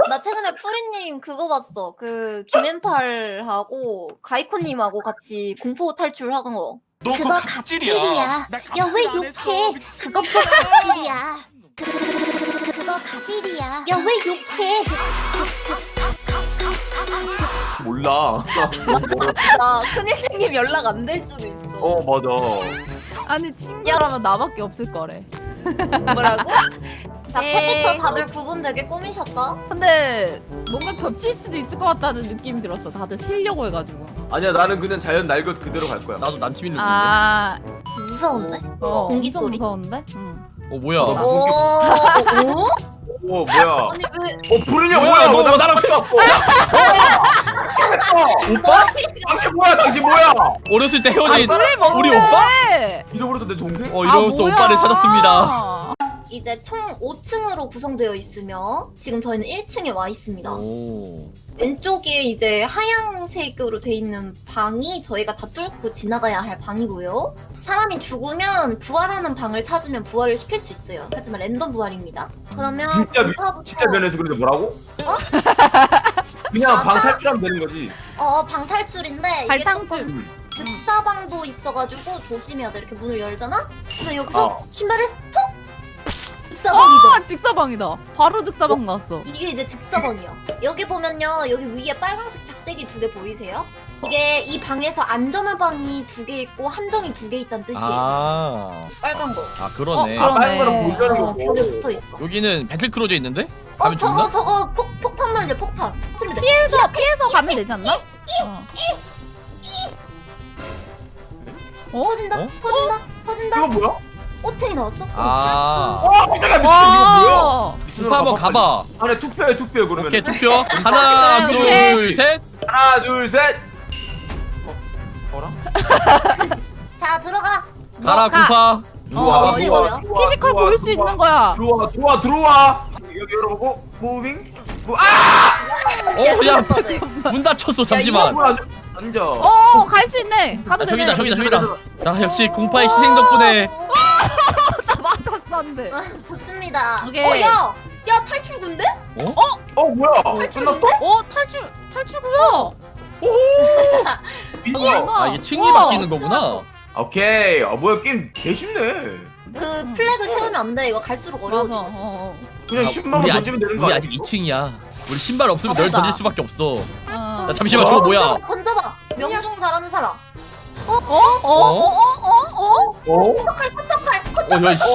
나 최근에 프리님 그거 봤어. 그 김앤팔하고 가이코님하고 같이 공포 탈출하는 거. 너 그거 갑질이야. 야 왜 욕해? 그거 갑질이야. 그거 갑질이야. 야 왜 욕해? 몰라. 나 큰일생님 연락 안 될 수도 있어. 어 맞아. 아니 친구라면 나밖에 없을 거래. 뭐라고? 자, 에이. 컴퓨터 다들 구분 되게 꾸미셨다. 근데 뭔가 겹칠 수도 있을 것 같다는 느낌이 들었어. 다들 튀려고 해가지고. 아니야 나는 그냥 자연 날 것 그대로 갈 거야. 나도 남친이 누군데? 아, 무서운데? 공기 엄청 소리. 무서운데? 응. 뭐야? 나 오, 오? 오 뭐야? 아니 왜? 부르냐 뭐야, 뭐야? 너 나랑 오빠? 당신 뭐야? 당신 뭐야? 어렸을 때 헤어진 뭔데? 우리 오빠? 잃어버렸던 내 동생? 이러면서 오빠를 찾았습니다. 이제 총 5층으로 구성되어 있으며 지금 저희는 1층에 와 있습니다. 오. 왼쪽에 이제 하얀색으로 돼 있는 방이 저희가 다 뚫고 지나가야 할 방이고요. 사람이 죽으면 부활하는 방을 찾으면 부활을 시킬 수 있어요. 하지만 랜덤 부활입니다. 그러면 공파부터- 진짜 면에서 그런데 뭐라고? 그냥 방 탈출하면 되는 거지. 방 탈출인데 이게 발탕줄. 조금 즉사방도 있어가지고 조심해야 돼. 이렇게 문을 열잖아? 그래서 여기서 신발을 톡! 즉사방이다. 아, 직사방이다. 바로 직사방 나왔어. 이게 이제 즉사방이야. 여기 보면요, 여기 위에 빨간색 작대기 2개 보이세요? 이게 이 방에서 안전한 방이 2개 있고 함정이 2개 있다는 뜻이에요. 아. 빨간 거. 아 그러네. 그러네. 빨간 거랑 보이는 어, 벽에 거고. 붙어 있어. 여기는 배틀크루즈 있는데? 가면 저거 죽나? 저거 폭탄 날려 폭탄. 터뜨리면 돼. 피해서 가면 되지 않나? 터진다. 어? 터진다. 터진다. 이거 뭐야? 5층이 나왔어. 아. 깜짝이야 미친 이거 뭐야? 오빠 한번 가봐. 안에 투표해 그러면. 오케이 투표. 하나 그래, 둘 셋. 하나 둘 셋. 어라? 자 들어가. 가라 가. 구파. 어디 어디야? 피지컬 보일 수 있는 거야. 들어와. 여기 열어보고 무빙. 야, 문 닫혔어. 잠시만. 앉아. 갈 수 있네. 가도 되네. 저기다. 나 역시 공파의 희생 덕분에. 나 맞았었는데. 좋습니다. 오케이. 야 탈출구인데? 뭐야? 끝났어? 탈출구야. 민서. 아 이게 층이 우와. 바뀌는 거구나. 오케이. 뭐야 게임 개 쉽네. 그 플래그 세우면 안 돼. 이거 갈수록 맞아. 어려워져. 그냥 아, 10만 원 우리 던지면 되는 거 우리 아니야? 아직 2층이야. 우리 신발 없으면 널 맞아. 던질 수밖에 없어. 어. 야 잠시만 저거 뭐야? 던져봐. 명중 잘하는 사람. 어? 야 씨.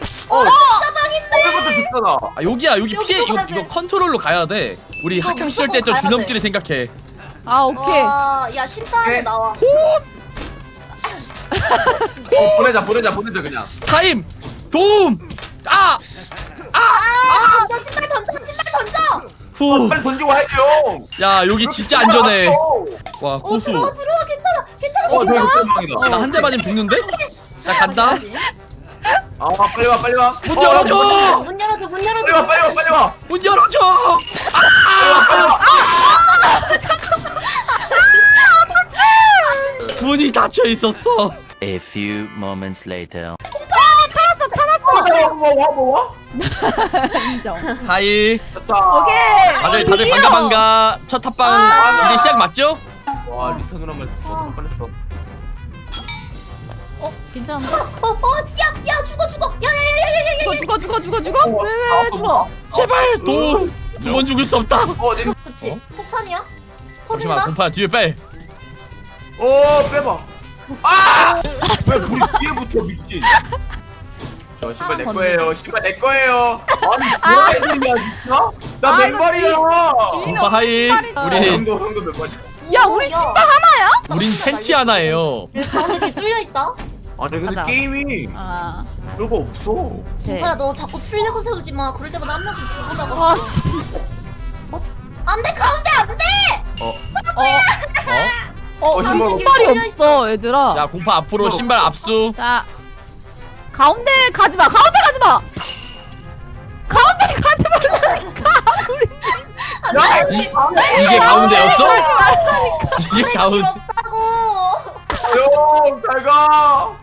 이것도 비싸다. 아 여기야 여기 여기로 피해 가야 이거 돼. 컨트롤로 가야 돼. 우리 이거 학창 시절 때 무조건 했던 가야 주넘기를 생각해. 아 오케이. 야 신발에 오케이. 나와. 보내자 그냥. 타임 도움. 아 던져 신발 던져. 후. 빨리 던지고 와야죠. 야 여기 진짜 안전해. 와 고수. 들어와 괜찮아. 저기 극대망이다. 나 한 대 맞으면 죽는데? 나 간다. 빨리 와. 문 열어줘. 문 열어줘. 빨리 와. 문 열어줘. 문이 닫혀 있었어. A few moments later. 와. 인정. 하이. 됐다. 오케이. 다들 반가. 첫 탑방 이제 시작 맞죠? 와 리타 누나 말 뻔했어. 괜찮아. 야 죽어. 야야야야야야. 죽어. 왜 죽어? 제발 도움. 두 번 죽을 수 없다. 그치. 폭탄이야? 잠시만 터진다. 공파 뒤에 빼. 빼봐. 왜 불이 뒤에 붙어 미친. 저 신발 내 거예요. 아니 뭐야 이냐 진짜? 나 맨발이야. 공파 하이. 우리 형도 맨발이야. 야 우리 신발 하나야? 우린 팬티 하나예요. 여기 가운데 이렇게 뚫려 있다. 아니 근데 맞아. 게임이 아. 별거 없어. 네. 야 너 자꾸 플래그 세우지 마. 그럴 때마다 한 명씩 죽고 잡아. 와 씨. 안돼 가운데 안돼. 나 신발 신발이 없어 얘들아. 야 공파 앞으로 신발 압수. 자 가운데 가지 마. 가운데 가지 마. 이게 가운데였어? 이게 가운데. 길었다고. 잘 가.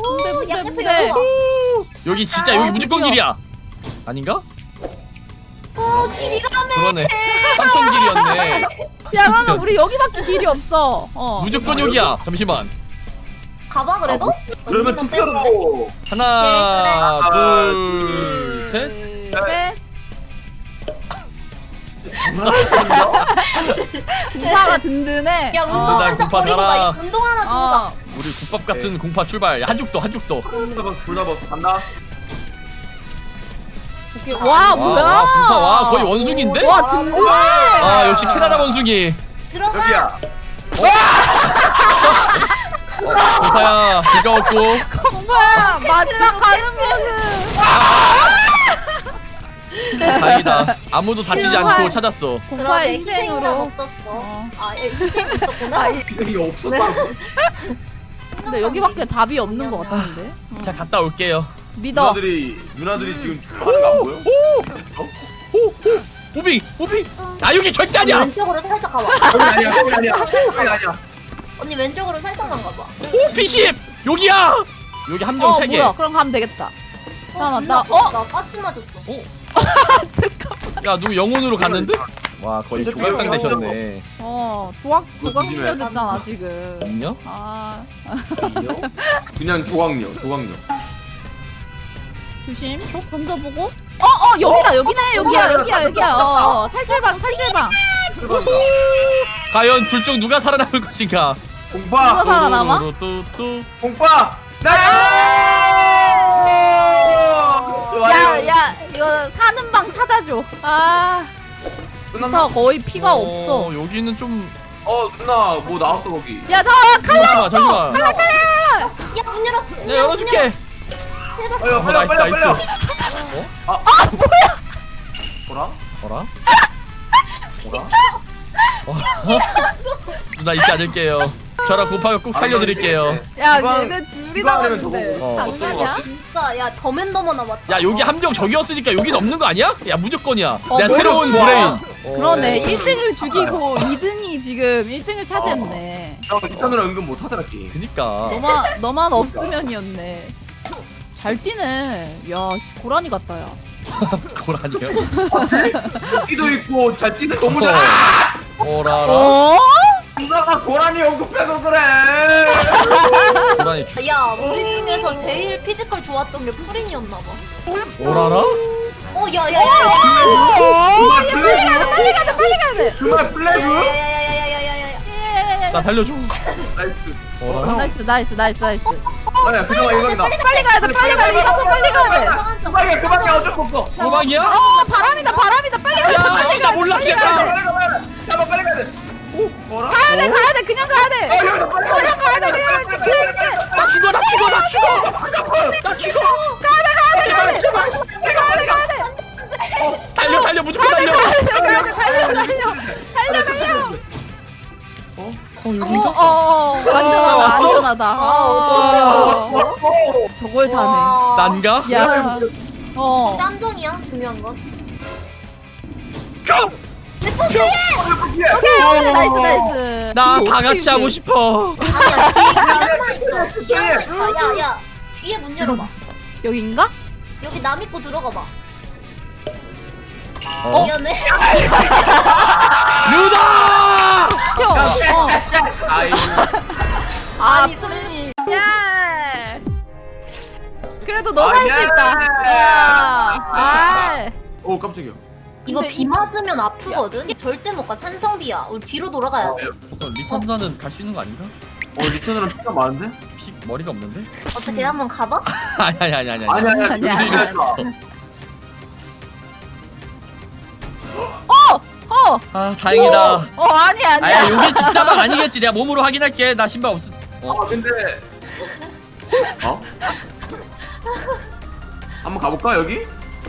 문대. 여기 진짜 여기 무조건 길이야. 아닌가? 길이라며. 그러네. 삼천길이었네. 야 그러면 우리 여기밖에 길이 없어. 무조건 여기야. 잠시만. 가봐 그래도? 그러면 언니만 빼는데? 투표로. 하나, 하나, 둘, 셋. 셋. 공파가 든든해. 야 운동 나 한자 공파 버리고 달아. 가. 운동 하나 주자. 어. 우리 국밥 같은 공파 출발. 야, 한죽도 한죽도. 둘 다 벗어. 간다. 오케이. 와 뭐야? 와, 공파 와 거의 원숭인데? 와 든든해. 아 역시 캐나다 원숭이. 들어가. 여기야. 공파야 즐거웠고. 공파야 마지막 가는 거는. 다행이다. 아무도 다치지 않고 찾았어. 공파의 희생이란 희생으로. 없었어. 어. 아 희생이 있었구나. 아, 이게 없었다고. 근데 여기밖에 답이 없는 것 같은데. 자 갔다 올게요. 믿어. 누나들이 지금 하는 거 안 보여? 무빙 무빙. 아 여기 절대 아니야. 왼쪽으로 살짝 가봐. 거기 아니야. 거기 아니야. 거기 아니야. 언니 왼쪽으로 살짝만 가봐. 오 P10 여기야. 여기 함정 3개. 뭐야? 그럼 가면 되겠다. 잠깐만, 나- 나 가스 맞았어. 야 누구 영혼으로 갔는데? 와 거의 조각상 되셨네. 조각 조심해. 미녀 됐잖아 지금. 안녕? 아 그냥 조각녀. 조심. 쪽 던져보고. 여기다 여기네 여기야. 탈출방. 과연 둘 중 누가 살아남을 것인가? 공파. 누가 살아남아? 뚜뚜뚜. 공파. 좋아요. 야 이거 사는 방 찾아줘. 아 끝났나? 거의 피가 없어. 여기는 좀. 누나 뭐 나왔어 거기. 야 잠시만 잠시만. 야 문 열어. 내가 열어줄게. 빨리 나이스, 빨리. 나이스. 뭐라? 어라? 누나 잊지 않을게요. 저랑 곰파가 꼭 살려드릴게요. 야 이거 얘네 둘이 이거 하면 남았는데 저거 어, 어떤 거 장난이야? 같아? 진짜 야 더맨더머 남았다. 야 여기 함정 저기였으니까 여기 넘는 거 아니야? 야 무조건이야. 내가 뭐야? 새로운 브레인. 그러네 1등을 죽이고 2등이 지금 1등을 차지했네. 이타 누나 은근 못하더라 게임. 그니까. 너만 없으면이었네. 잘 뛰네. 야 고라니 같다 야. 고라니요? 끼도 있고 잘 뛰는 너무 잘. 오라라. 어? 누나가 고라니 언급해서 그래. 고라니 주. 야 우리 중에서 제일 피지컬 좋았던 게 푸린이었나 봐. 오라라? 야야야야. 그만 플래그. 빨리 가야 돼. 그만 플래그. 야야야야야야야야야. 나 살려줘. 나이스. 오라라? 나이스. 아니야 그나마 이방이다. 빨리 가야 돼. 빨리 가야 돼. 그만이야 어쩔 수 없어. 도망이야? 바람이다. 빨리 가야 돼. 야, 나 몰랐겠다. 빨리 가야 돼. 오 뭐라? 가야 돼. 그냥 가야 돼. 여기서 빨리 가야 돼. 나 죽어. 가야 돼. 달려 무조건 달려. 달려. 여긴가? 안전하다. 저걸 사네. 난가? 야. 깜정이야 중요한 건. go! 나이스. 나 다 같이 하고 싶어. 아니야 뒤에 하나 있어. 야야 뒤에 문 열어봐. 여긴가? 여기 남 입고 들어가봐. 미안해. 루다! 아이고. 아니 소민이. 야. 그래도 너 살 수 있다. 아. 오 깜짝이야. 이거 근데 비 맞으면 아프거든. 절대 못 가. 산성비야. 우리 뒤로 돌아가야 돼. 리턴 누나는 갈 수 있는 거 아닌가? 리턴으로 피가 많은데? 피 머리가 없는데? 어떻게 한번 가봐? 아니야. 아니야. 아니야. 여기서 이럴 수 있어. 아 다행이다. 아니야. 아야 여기 직사방 아니겠지. 내가 몸으로 확인할게. 나 신발 없어. 근데 한번 가볼까 여기?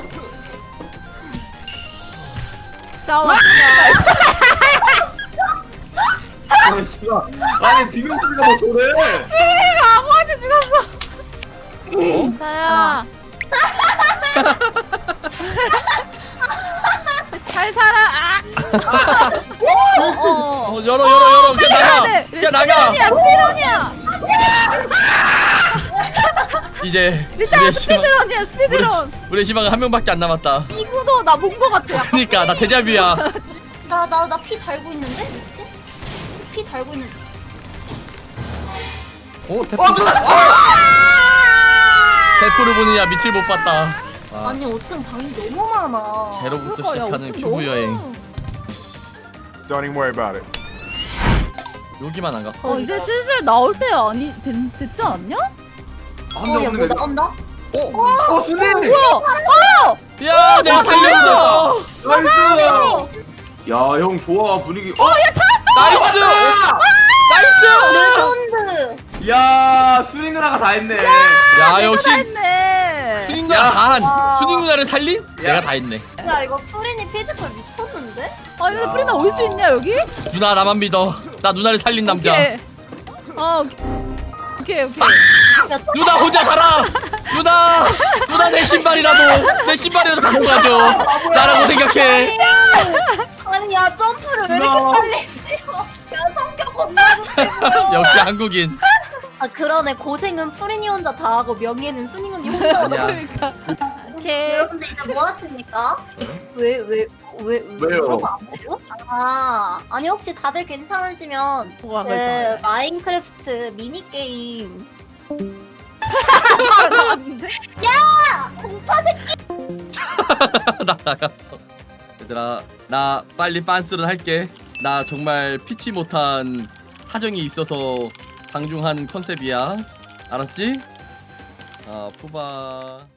잠깐만. 씨발. 아니 비명소리가 뭐 그래? 아무한테 죽었어. 다야. 잘 살아. 열어. 그냥 나가. 그냥 나가. 실론이야. 이제 일단 우리의 희망, 스피드런이야 스피드런. 우리의 희망은 한 명밖에 안 남았다. 이 구도 나 본 거 같아. 그니까 나 데자뷰야. 나 피 달고 있는데? 뭐지? 피 달고 있는데. 오 대포. 대포를 보느냐 밑을 못 봤다. 아, 아니 5층 방이 너무 많아. 제로부터 그러니까, 야, 시작하는 어쩜 큐브 너무 여행. Don't even worry about it. 여기만 안 갔어. 이제 슬슬 나올 때 아니 됐지 않았냐? 야 뭐 나온다? 순이. 뭐야? 야 내가 살렸어. 나이스. 야 형 좋아 분위기. 나이스. 나이스. 레전드. 야 순이 누나가 다 했네. 야 역시 했네. 순익 누나 다한. 와. 순익 누나를 살린? 내가 다 했네. 야 이거 프린이 피지컬 미쳤는데? 아 근데 프리나 올 수 있냐 여기? 누나 나만 믿어. 나 누나를 살린 남자. 오케이. 오케이. 누나 혼자 살아. 누나 내 신발이라도 갖고 가줘. 나라고 생각해. 아니 야 점프를 왜 누나. 이렇게 빨리 해요? 야 성격 겁나 급해요. 역시 한국인. 아 그러네 고생은 프린이 혼자 다 하고 명예는 순이님이 혼자 하고. 아니야. 그러니까. 오케이. 여러분들 이제 뭐 하십니까? 왜요? 왜요? 안 돼요? 아 아니 혹시 다들 괜찮으시면 뭐가 그 그랬잖아. 마인크래프트 미니 게임 공파 나 나갔어. 얘들아 나 빨리 빤스런 할게. 나 정말 피치 못한 사정이 있어서 방중한 컨셉이야. 알았지? 푸바.